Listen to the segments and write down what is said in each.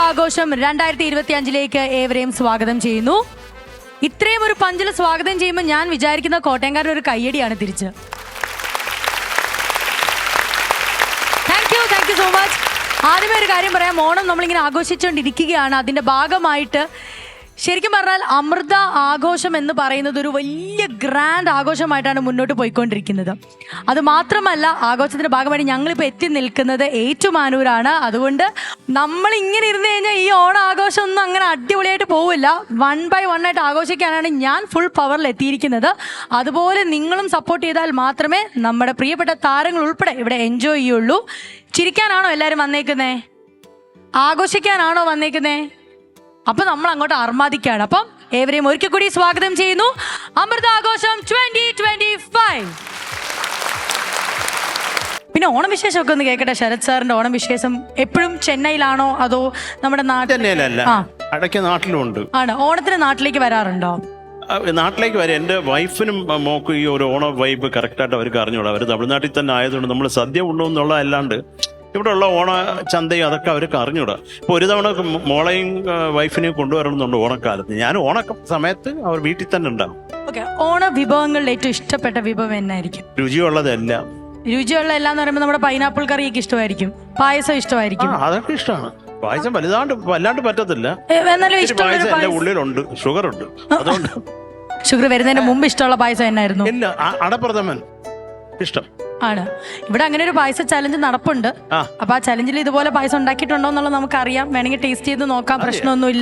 ആഘോഷം 2025 ഏവരെയും സ്വാഗതം ചെയ്യുന്നു. ഇത്രയും ഒരു പഞ്ചിൽ സ്വാഗതം ചെയ്യുമ്പോൾ ഞാൻ വിചാരിക്കുന്ന കോട്ടയംകാരുടെ ഒരു കയ്യടിയാണ് തിരിച്ച്. Thank you so much. ആദ്യമേ ഒരു കാര്യം പറയാം, ഓണം നമ്മളിങ്ങനെ ആഘോഷിച്ചുകൊണ്ടിരിക്കുകയാണ്. അതിൻ്റെ ഭാഗമായിട്ട് ശരിക്കും പറഞ്ഞാൽ അമൃത ആഘോഷം എന്ന് പറയുന്നത് ഒരു വലിയ ഗ്രാൻഡ് ആഘോഷമായിട്ടാണ് മുന്നോട്ട് പോയിക്കൊണ്ടിരിക്കുന്നത്. അത് മാത്രമല്ല, ആഘോഷത്തിന്റെ ഭാഗമായിട്ട് ഞങ്ങളിപ്പോൾ എത്തി നിൽക്കുന്നത് ഏറ്റുമാനൂരാണ്. അതുകൊണ്ട് നമ്മൾ ഇങ്ങനെ ഇരുന്ന് കഴിഞ്ഞാൽ ഈ ഓണം ആഘോഷം ഒന്നും അങ്ങനെ അടിപൊളിയായിട്ട് പോവില്ല. 1 by 1 ആയിട്ട് ആഘോഷിക്കാനാണ് ഞാൻ ഫുൾ പവറിൽ എത്തിയിരിക്കുന്നത്. അതുപോലെ നിങ്ങളും സപ്പോർട്ട് ചെയ്താൽ മാത്രമേ നമ്മുടെ പ്രിയപ്പെട്ട താരങ്ങൾ ഉൾപ്പെടെ ഇവിടെ എൻജോയ് ചെയ്യുള്ളൂ. ചിരിക്കാനാണോ എല്ലാവരും വന്നേക്കുന്നേ? ആഘോഷിക്കാനാണോ വന്നേക്കുന്നേ? അപ്പൊ നമ്മൾ അങ്ങോട്ട് അർമാദിക്കാണ്. അപ്പം ഏവരെയും ഒരിക്കൽ കൂടി സ്വാഗതം ചെയ്യുന്നു അമൃതാഘോഷം 2025. പിന്നെ ഓണവിശേഷമൊക്കെ ഒന്ന് കേൾക്കട്ടെ. ശരത് സാറിന്റെ ഓണവിശേഷം എപ്പോഴും ചെന്നൈയിലാണോ അതോ നമ്മുടെ നാട്ടിലുണ്ട്? ആണ്. ഓണത്തിന് നാട്ടിലേക്ക് വരാറുണ്ടോ? നാട്ടിലേക്ക് വരെ എൻ്റെ വൈഫിനും മോക്കും ഈ ഒരു ഓണ വൈബ് കറക്റ്റായിട്ട് അവർക്ക് അറിഞ്ഞോളൂ. അവർ തമിഴ്നാട്ടിൽ തന്നെ ആയതുകൊണ്ട് നമ്മൾ സദ്യ ഉണ്ടോന്നുള്ള അല്ലാണ്ട് ഇവിടെ ഉള്ള ഓണ ചന്തയും അതൊക്കെ അവർക്ക് അറിഞ്ഞൂടാ. ഇപ്പോൾ ഒരു തവണ മോളെയും വൈഫിനെയും കൊണ്ടുവരണമെന്നുണ്ട് ഓണക്കാലത്ത്. ഞാൻ ഓണ സമയത്ത് അവർ വീട്ടിൽ തന്നെ ഉണ്ടാവും. ഓക്കെ, ഓണ വിഭവങ്ങളിൽ ഏറ്റവും ഇഷ്ടപ്പെട്ട വിഭവം എന്നായിരിക്കും? രുചിയുള്ളതെല്ലാം. രുചിയുള്ള എല്ലാം എന്ന് പറയുമ്പോൾ നമ്മുടെ പൈനാപ്പിൾ കറിയൊക്കെ ഇഷ്ടമായിരിക്കും, പായസം ഇഷ്ടമായിരിക്കും. അതൊക്കെ ഇഷ്ടമാണ്. പായസം വല്ലാണ്ട് പറ്റത്തില്ല. പായസം എന്റെ ഉള്ളിലുണ്ട്, ഷുഗർ ഉണ്ട്. അതുകൊണ്ട് ഷുഗർ വരുന്നതിന് മുമ്പ് ഇഷ്ടമുള്ള പായസം എന്നായിരുന്നു? ഇല്ല, അടപ്രഥമൻ ഇഷ്ടം ആണ്. ഇവിടെ അങ്ങനെ ഒരു പായസ ചലഞ്ച് നടപ്പുണ്ട്. അപ്പൊ ആ ചലഞ്ചിൽ ഇതുപോലെ പായസം ഉണ്ടാക്കിയിട്ടുണ്ടോ എന്നുള്ളത് നമുക്കറിയാം. വേണമെങ്കിൽ ടേസ്റ്റ് ചെയ്ത് നോക്കാം, പ്രശ്നമൊന്നുമില്ല.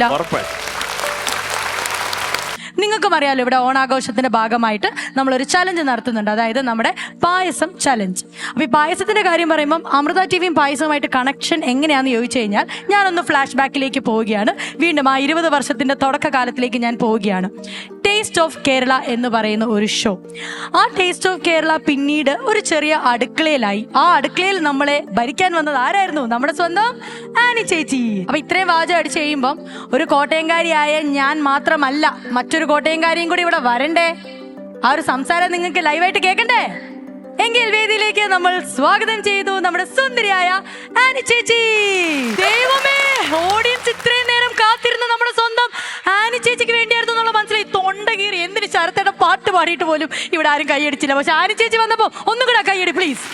നിങ്ങൾക്കും അറിയാലോ, ഇവിടെ ഓണാഘോഷത്തിന്റെ ഭാഗമായിട്ട് നമ്മളൊരു ചലഞ്ച് നടത്തുന്നുണ്ട്. അതായത് നമ്മുടെ പായസം ചലഞ്ച്. അപ്പൊ ഈ പായസത്തിന്റെ കാര്യം പറയുമ്പോൾ അമൃത ടിവിയും പായസവുമായിട്ട് കണക്ഷൻ എങ്ങനെയാണെന്ന് ചോദിച്ചു കഴിഞ്ഞാൽ ഞാനൊന്ന് ഫ്ലാഷ് ബാക്കിലേക്ക് പോവുകയാണ്. വീണ്ടും ആ 20 വർഷത്തിന്റെ തുടക്കകാലത്തിലേക്ക് ഞാൻ പോവുകയാണ്. ടേസ്റ്റ് ഓഫ് കേരള എന്ന് പറയുന്ന ഒരു ഷോ. ആ ടേസ്റ്റ് ഓഫ് കേരള പിന്നീട് ഒരു ചെറിയ അടുക്കളയിലായി. ആ അടുക്കളയിൽ നമ്മളെ ഭരിക്കാൻ വന്നത് ആരായിരുന്നു? നമ്മുടെ സ്വന്തം ആനി ചേച്ചി. അപ്പൊ ഇത്രയും വാചകം അടിച്ചു കഴിയുമ്പം ഒരു കോട്ടയംകാരിയായ ഞാൻ മാത്രമല്ല, മറ്റൊരു കോട്ടയംകാരിയും കൂടി ഇവിടെ വരണ്ടേ? ആ ഒരു സംസാരം നിങ്ങൾക്ക് ലൈവായിട്ട് കേൾക്കണ്ടേ? എങ്കിൽ വേദിയിലേക്ക് നമ്മൾ സ്വാഗതം ചെയ്തു നമ്മുടെ സുന്ദരിയായ ആനി ചേച്ചി. ദൈവമേ, ഓഡിയൻസ് ഇത്രയും നേരം കാത്തിരുന്ന നമ്മുടെ സ്വന്തം ആനി ചേച്ചിക്ക് വേണ്ടിയായിരുന്നു എന്നുള്ള മനസ്സിലായി. തൊണ്ട കീറി എന്തിന് ശരത്തേടെ പാട്ട് പാടിയിട്ട് പോലും ഇവിടെ ആരും കൈയടിച്ചില്ല. പക്ഷെ ആനി ചേച്ചി വന്നപ്പോ ഒന്നും കൂടെ കൈയടി പ്ലീസ്.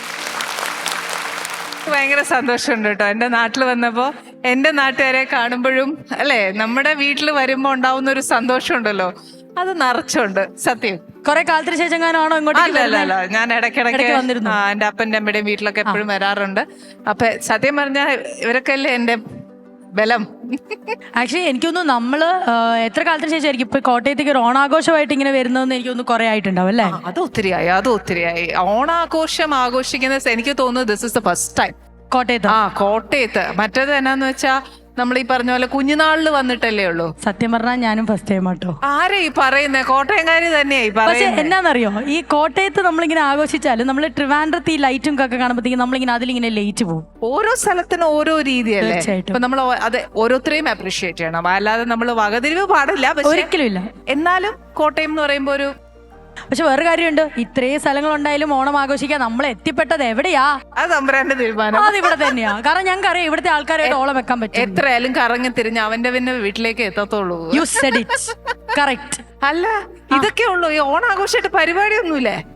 ഭയങ്കര സന്തോഷമുണ്ട് കേട്ടോ. എൻ്റെ നാട്ടിൽ വന്നപ്പോൾ എൻ്റെ നാട്ടുകാരെ കാണുമ്പോഴും അല്ലേ, നമ്മുടെ വീട്ടിൽ വരുമ്പോൾ ഉണ്ടാവുന്ന ഒരു സന്തോഷമുണ്ടല്ലോ, അത് നിറച്ചുണ്ട്. സത്യം. കുറെ കാലത്തിന് ശേഷം ഞാനാണോ ഇങ്ങോട്ട്? അല്ല, ഞാൻ ഇടയ്ക്കിടയ്ക്ക് എൻ്റെ അപ്പൻ്റെ അമ്മയുടെയും വീട്ടിലൊക്കെ എപ്പോഴും വരാറുണ്ട്. അപ്പൊ സത്യം പറഞ്ഞാൽ ഇവരൊക്കെ അല്ലേ എൻ്റെ ബലം. ആക്ച്വലി എനിക്കൊന്നും നമ്മള് എത്ര കാലത്തിന് ശേഷമായിരിക്കും ഇപ്പൊ കോട്ടയത്തേക്ക് ഒരു ഓണാഘോഷമായിട്ട് ഇങ്ങനെ വരുന്നതെന്ന് എനിക്കൊന്ന് കുറെ ആയിട്ടുണ്ടാവും അല്ലേ? അത് ഒത്തിരിയായി. ഓണാഘോഷം ആഘോഷിക്കുന്നത് എനിക്ക് തോന്നുന്നു this is the first time കോട്ടയത്ത്. മറ്റേത് എന്നാന്ന് വെച്ചാ നമ്മൾ ഈ പറഞ്ഞ പോലെ കുഞ്ഞുനാളില് വന്നിട്ടല്ലേ ഉള്ളൂ. സത്യം പറഞ്ഞാൽ ഞാനും ഫസ്റ്റ് ടൈം ആട്ടോ. ആരെ ഈ പറയുന്നേ? കോട്ടയംകാരി തന്നെയായി. പക്ഷെ എന്നാന്നറിയോ, ഈ കോട്ടയത്ത് നമ്മളിങ്ങനെ ആഘോഷിച്ചാലും നമ്മൾ ട്രിവാൻഡ്രത്ത് ഈ ലൈറ്റും ഒക്കെ കാണുമ്പോഴത്തേക്കും നമ്മളിങ്ങനെ അതിലിങ്ങനെ ലൈറ്റ് പോകും. ഓരോ സ്ഥലത്തിനും ഓരോ രീതിയല്ലേ. ഇപ്പൊ നമ്മൾ അത് ഓരോരുത്തരെയും അപ്രീഷിയേറ്റ് ചെയ്യണം. അല്ലാതെ നമ്മൾ വകതിരിവ് പാടില്ല. ഒരിക്കലും ഇല്ല. എന്നാലും കോട്ടയം എന്ന് പറയുമ്പോ ഒരു പക്ഷെ വേറെ കാര്യമുണ്ട്, ഇത്രയും സ്ഥലങ്ങൾ ഉണ്ടായാലും ഓണം ആഘോഷിക്കാൻ നമ്മൾ എത്തിപ്പെട്ടത് എവിടെയാ? അത് തമ്പുരാന്റെ തീരുമാനം. അത് ഇവിടെ തന്നെയാ. കാരണം ഞങ്ങൾക്ക് അറിയാം ഇവിടുത്തെ ആൾക്കാരായിട്ട് ഓളം വെക്കാൻ പറ്റും. എത്രയായാലും കറങ്ങി തിരിഞ്ഞ് അവന്റെ പിന്നെ വീട്ടിലേക്ക് എത്തത്തുള്ളൂ. You said it correct. അല്ല, ഇതൊക്കെ ഉള്ളൂ ഈ ഓണാഘോഷമായിട്ട് പരിപാടിയൊന്നുമില്ലേ?